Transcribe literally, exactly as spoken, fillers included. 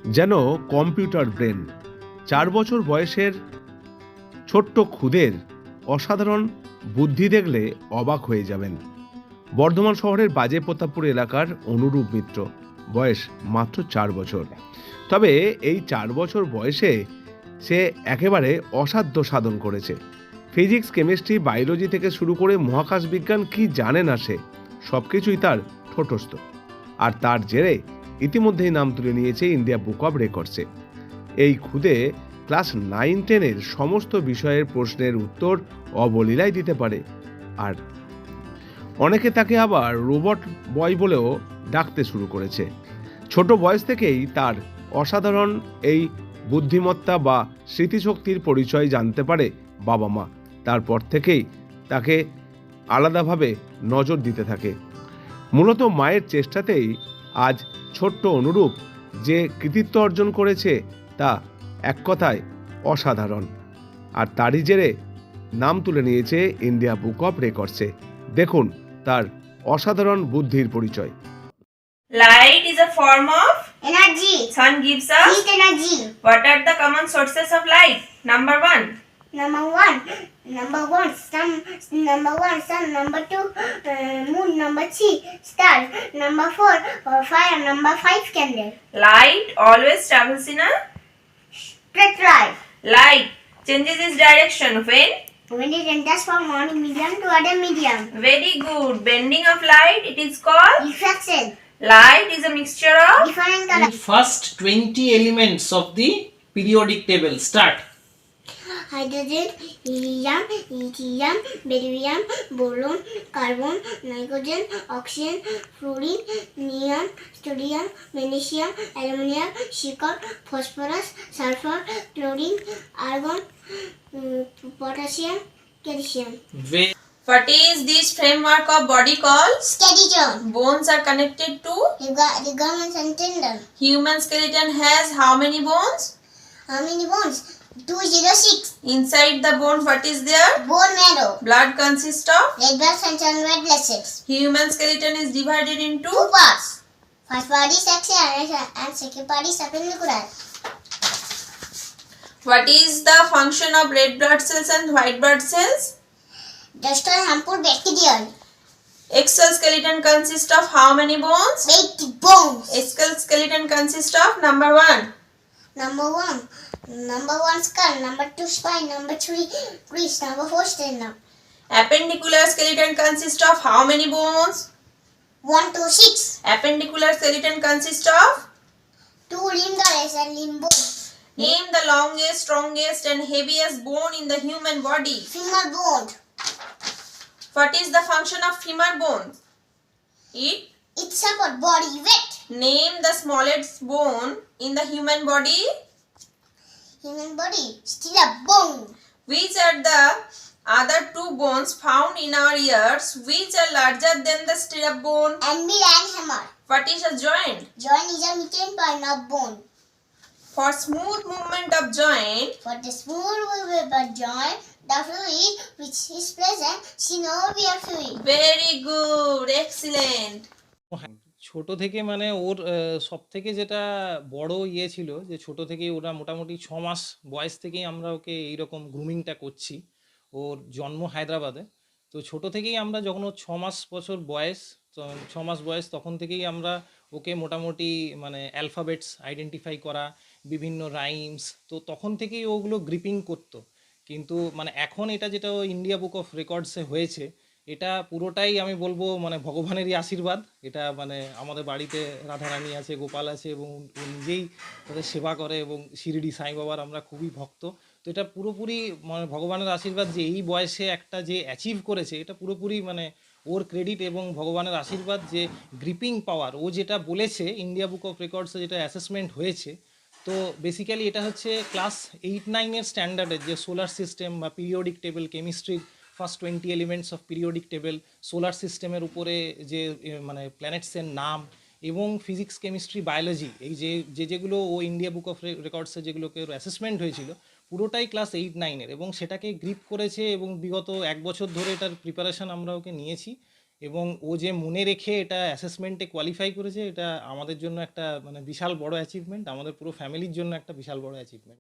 যেন computer brain. চার বছর বয়সের ছোট্ট খুদের অসাধারণ বুদ্ধি দেখলে অবাক হয়ে যাবেন। বর্ধমান শহরের বাজে প্রতাপপুর এলাকার অনুরূপ মিত্র, বয়স মাত্র চার বছর। তবে এই চার বছর বয়সে সে একেবারে অসাধ্য সাধন করেছে। ফিজিক্স, কেমিস্ট্রি, বায়োলজি থেকে শুরু করে মহাকাশ বিজ্ঞান কি জানে না সে, সব কিছুই তার ঠোঁটস্থ। আর তার জেরে ইতিমধ্যেই নাম তুলে নিয়েছে ইন্ডিয়া বুক অব রেকর্ডসে। এই খুদে ক্লাস নাইন টেনের সমস্ত বিষয়ের প্রশ্নের উত্তর অবলীলায় দিতে পারে। আর অনেকে তাকে আবার রোবট বয় বলেও ডাকতে শুরু করেছে। ছোট বয়স থেকেই তার অসাধারণ এই বুদ্ধিমত্তা বা স্মৃতিশক্তির পরিচয় জানতে পারে বাবা মা। তারপর থেকেই তাকে আলাদাভাবে নজর দিতে থাকে। মূলত মায়ের চেষ্টাতেই আজ ছোট্ট অনুরূপ যে কৃতিত্ব অর্জন করেছে তা এক কথায় অসাধারণ। আর তারই জেরে নাম তুলে নিয়েছে ইন্ডিয়া বুক অব রেকর্ডসে। দেখুন তার অসাধারণ বুদ্ধির পরিচয়। Light is a form of Energy. sun gives us. Heat energy. What are the common sources of light? Number one. Number one. Number one. Sun. Number one. Sun. Number two. Uh, moon. Number three. Star. Number four. Uh, fire. Number five. Candle. Light always travels in a Straight line. light changes its direction when. When it enters from one medium to other medium. Very good. Bending of light, it is called. Reflection. Light is a mixture of. Different The colors. first twenty elements of the periodic table. Start. Hydrogen, helium, lithium, barium, boron, carbon, nitrogen, oxygen, fluorine, neon, sodium, magnesium, aluminum, silicon, phosphorus, sulfur, chlorine, argon, mm, potassium, calcium. Ve- What is this framework of body called? Skeleton. Bones are connected to. Ligaments and tendon. Human skeleton has how many bones? How many bones? two hundred six. Inside the bone, what is there? Bone marrow. Blood consists of. Red blood cells and red blood cells. Human skeleton is divided into. Two parts. First part is axial and second part is appendicular. What is the function of red blood cells and white blood cells? Destroy harmful bacteria. Exoskeleton consists of how many bones? eighty bones. Exoskeleton consists of number one. Number one. Number one skull. Number two spine. Number three wrist. Number four sternum. Appendicular skeleton consists of how many bones? One to six. Appendicular skeleton consists of. Two limb girdles and limb bones. Name the longest, strongest and heaviest bone in the human body. Femur bone. What is the function of femur bone? It. It support body weight. Name the smallest bone in the human body. Human body. Still a bone. Which are the other two bones found in our ears which are larger than the stirrup bone? Anvil and hammer. What is a joint? Joint is a midline point of bone. For smooth movement of joint, For the smooth movement of joint, the fluid which is present synovial fluid. very good, excellent. ছোট থেকে মানে ওর সব থেকে যেটা বড় ইয়ে ছিল যে ছোট থেকেই ওরা মোটামুটি ছ মাস বয়স থেকেই আমরা ওকে এইরকম গ্রুমিংটা করছি। ওর জন্ম হায়দ্রাবাদে, তো ছোট থেকেই আমরা যখন ওর ছ মাস বছর বয়স ছ মাস বয়স তখন থেকেই আমরা ওকে মোটামুটি মানে অ্যালফাবেটস আইডেন্টিফাই করা, বিভিন্ন রাইমস, তো তখন থেকেই ওগুলো গ্রিপিং করতো। কিন্তু মানে এখন এটা যেটা ইন্ডিয়া বুক অফ রেকর্ডসে হয়েছে, এটা পুরোটাই আমি বলবো মানে ভগবানেরই আশীর্বাদ। এটা মানে আমাদের বাড়িতে রাধারানী আছে, গোপাল আছে এবং ও নিজেই তাদের সেবা করে এবং শিরডি সাই বাবার আমরা খুবই ভক্ত। তো এটা পুরোপুরি মানে ভগবানের আশীর্বাদ যে এই বয়সে একটা যে অ্যাচিভ করেছে, এটা পুরোপুরি মানে ওর ক্রেডিট এবং ভগবানের আশীর্বাদ যে গ্রিপিং পাওয়ার ও যেটা বলেছে ইন্ডিয়া বুক অফ রেকর্ডসে যেটা অ্যাসেসমেন্ট হয়েছে। তো বেসিক্যালি এটা হচ্ছে ক্লাস এইট নাইনের স্ট্যান্ডার্ডের যে সোলার সিস্টেম বা পিরিয়ডিক টেবিল, কেমিস্ট্রির first twenty elements of periodic table, solar সিস্টেমের উপরে যে মানে প্ল্যানেটসের নাম এবং ফিজিক্স, কেমিস্ট্রি, বায়োলজি, এই যে যে যেগুলো ও ইন্ডিয়া বুক অফ রেকর্ডসে যেগুলোকে অ্যাসেসমেন্ট হয়েছিল পুরোটাই ক্লাস এইট নাইনের এবং সেটাকে গ্রিপ করেছে এবং বিগত এক বছর ধরে এটার প্রিপারেশান আমরা ওকে নিয়েছি এবং ও যে মনে রেখে এটা অ্যাসেসমেন্টে কোয়ালিফাই করেছে, এটা আমাদের জন্য একটা মানে বিশাল বড় অ্যাচিভমেন্ট, আমাদের পুরো ফ্যামিলির জন্য একটা বিশাল বড় অ্যাচিভমেন্ট।